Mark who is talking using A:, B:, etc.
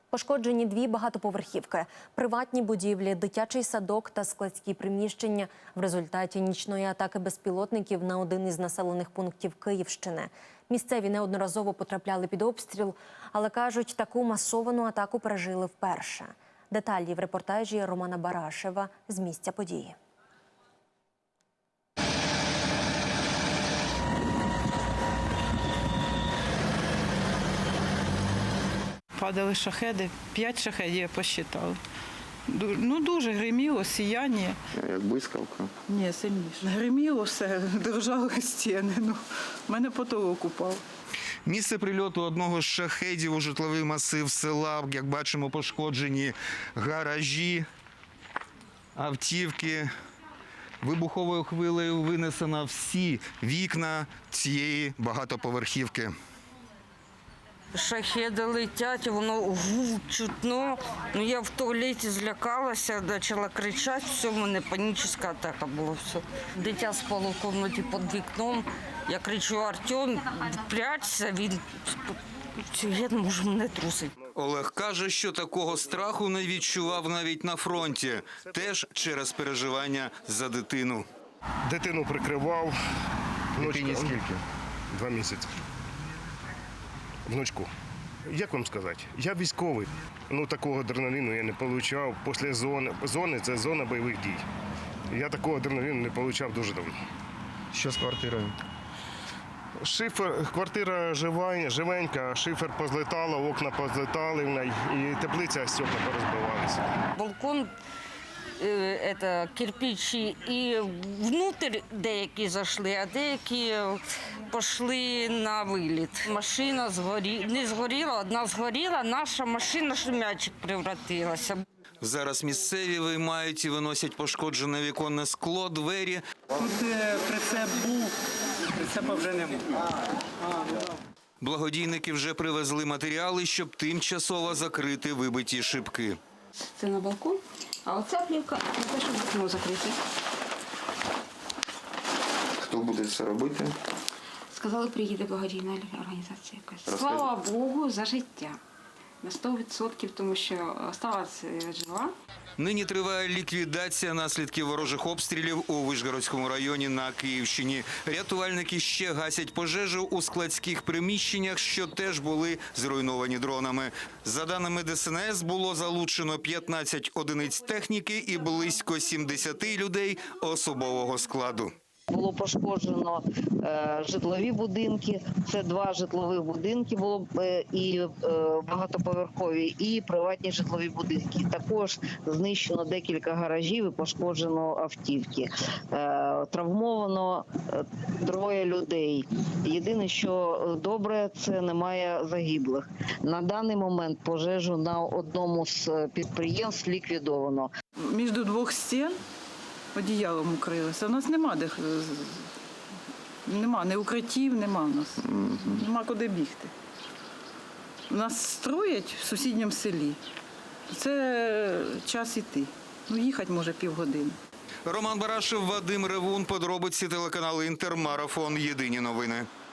A: Пошкоджені 2 багатоповерхівки, приватні будівлі, дитячий садок та складські приміщення в результаті нічної атаки безпілотників на один із населених пунктів Київщини. Місцеві неодноразово потрапляли під обстріл, але кажуть, таку масовану атаку пережили вперше. Деталі в репортажі Романа Барашева з місця події.
B: Падали шахеди, 5 шахедів я посчитала. Дуже гриміло, сіяння.
C: Як блискавка?
B: Ні, сильніше. Гриміло все, дрожали стіни. В мене потолок упав.
D: Місце прильоту одного з шахедів у житловий масив села. Як бачимо, пошкоджені гаражі, автівки. Вибуховою хвилею винесено всі вікна цієї багатоповерхівки.
E: Шахеди летять, воно гул чутно. Я в туалеті злякалася, почала кричати, все, в мене панічна атака була. Все. Дитя спало в кімнаті під вікном. Я кричу: Артем, прячься, він я не можу, мене трусить.
D: Олег каже, що такого страху не відчував навіть на фронті, теж через переживання за дитину.
F: Дитину прикривав.
D: Дитині скільки?
F: 2 місяці. Внучку. Як вам сказати? Я військовий. Такого адреналіну я не отримав. Після зони – це зона бойових дій. Я такого адреналіну не отримав дуже давно.
D: Що з квартирою?
F: Квартира живенька, шифер позлетало, окна позлетали в неї, і теплиця, стекла порозбивалися.
E: Балкон, кирпичі, і внутрі деякі зайшли, а деякі пішли на виліт. Машина не згоріла, одна згоріла, наша машина в м'ячик превратилася.
D: Зараз місцеві виймають і виносять пошкоджене віконне скло, двері.
G: Тут прицеп був, прицепа вже немає.
D: Благодійники вже привезли матеріали, щоб тимчасово закрити вибиті шибки.
H: Це на балкон, а оця плівка на те, щоб вікно закрити.
C: Хто буде це робити?
H: Сказали, приїде благодійна організація якась. Слава Богу, за життя. На 100%, тому що залишилася жива.
D: Нині триває ліквідація наслідків ворожих обстрілів у Вишгородському районі на Київщині. Рятувальники ще гасять пожежу у складських приміщеннях, що теж були зруйновані дронами. За даними ДСНС, було залучено 15 одиниць техніки і близько 70 людей особового складу.
I: Було пошкоджено житлові будинки, це 2 житлових будинки було і багатоповерхові, і приватні житлові будинки. Також знищено декілька гаражів і пошкоджено автівки. Травмовано 3 людей. Єдине, що добре, це немає загиблих. На даний момент пожежу на одному з підприємств ліквідовано.
B: Між 2 стін одіялом укрилися. У нас нема ні укриттів, нема у нас. Нема куди бігти. Нас строять в сусідньому селі. Це час іти. Їхати може півгодини.
D: Роман Барашев, Вадим Ревун, подробиці телеканалу «Інтер», Марафон, Єдині новини.